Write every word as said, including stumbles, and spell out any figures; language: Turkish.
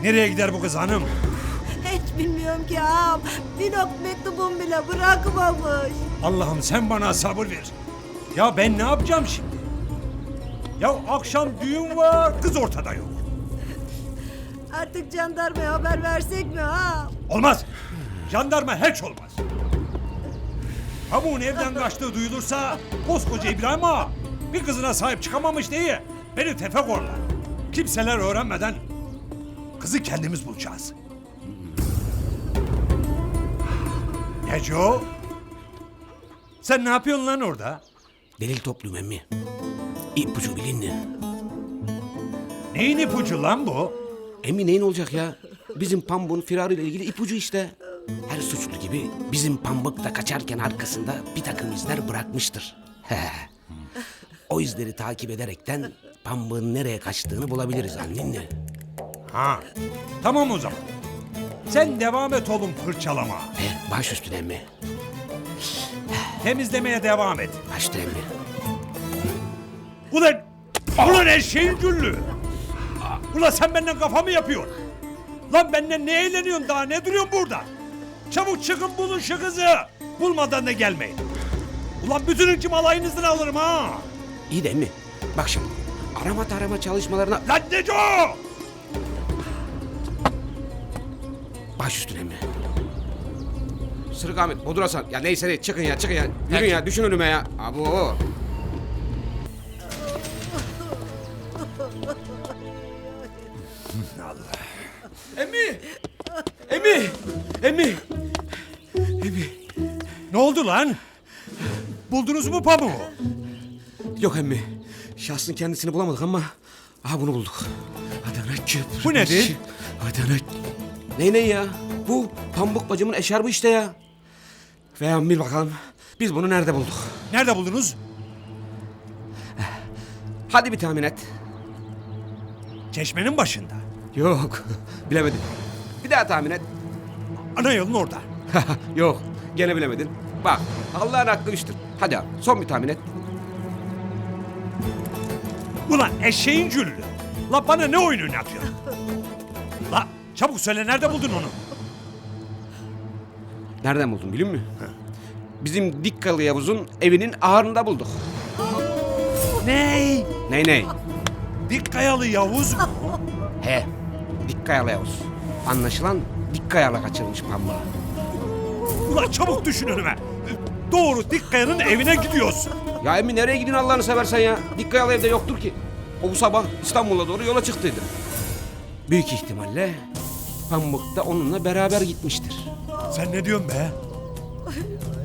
Nereye gider bu kız hanım? Hiç bilmiyorum ki ağam. Bir not mektubum bile bırakmamış. Allah'ım sen bana sabır ver. Ya ben ne yapacağım şimdi? Ya akşam düğün var, kız ortada yok. Artık jandarmaya haber versek mi ağam? Olmaz. Jandarma hiç olmaz. Pamuğun evden kaçtığı duyulursa koskoca İbrahim Ağa bir kızına sahip çıkamamış diye beni tefek orlar. Kimseler öğrenmeden kızı kendimiz bulacağız. Neco? Sen ne yapıyorsun lan orada? Delil topluyorum emmi. İpucu bilinli. Neyin ipucu lan bu? Emmi neyin olacak ya? Bizim Pambuk'un firarıyla ilgili ipucu işte. Her suçlu gibi bizim Pambuk da kaçarken arkasında bir takım izler bırakmıştır. O izleri takip ederekten Pambuk'un nereye kaçtığını bulabiliriz annenle. Ha, tamam o zaman. Sen devam et oğlum fırçalama. He, baş üstüne emmi. Temizlemeye devam et. Baş üstüne emmi. Ulan, ulan eşeğin güllü. Ulan sen benden kafa mı yapıyorsun? Lan benden ne eğleniyorsun daha, ne duruyorsun burada? Çabuk çıkın bulun şu kızı. Bulmadan da gelmeyin. Ulan bütün hüküm alayınızdan alırım ha. İyi de emmi. Bak şimdi arama tarama çalışmalarına Lan Neco! baş üstüne emmi. Sırık Ahmet, Bodur Hasan. Ya neyse ne çıkın ya çıkın ya. Yürün ya düşün önüme ya. Abo. Emmi! Emmi! Emmi! Emmi! Ne oldu lan? Buldunuz mu pamuğu? Yok emmi. Şahsın kendisini bulamadık ama aha bunu bulduk. Adana Köprü. Bu nedir? Adana... Ne ne ya? Bu Pambuk bacımın eşarbı işte ya. Ve bil bakalım biz bunu nerede bulduk? Nerede buldunuz? Hadi bir tahmin et. Çeşmenin başında. Yok. Bilemedim. Bir daha tahmin et. Ana yolun orada. Yok. Gene bilemedin. Bak Allah'ın aklı üçtür. Hadi abi son bir tahmin et. Ulan eşeğin güllü. La bana ne oyun oynatıyorsun? La çabuk söyle, nerede buldun onu? Nereden buldun biliyor musun? Bizim Dikkalı Yavuz'un evinin ahırında bulduk. Ney? Ney ney? Dik kayalı Yavuz mu? He. Dikkayalı Yavuz. Anlaşılan Dikkaya'la kaçırmış Pambuk'u. Ulan çabuk düşün önüme. Doğru Dik Kaya'nın evine gidiyorsun. Ya emmi nereye gidiyorsun Allah'ını seversen ya? Dikkayalı evde yoktur ki. O bu sabah İstanbul'a doğru yola çıktıydı. Büyük ihtimalle Pambuk da onunla beraber gitmiştir. Sen ne diyorsun be?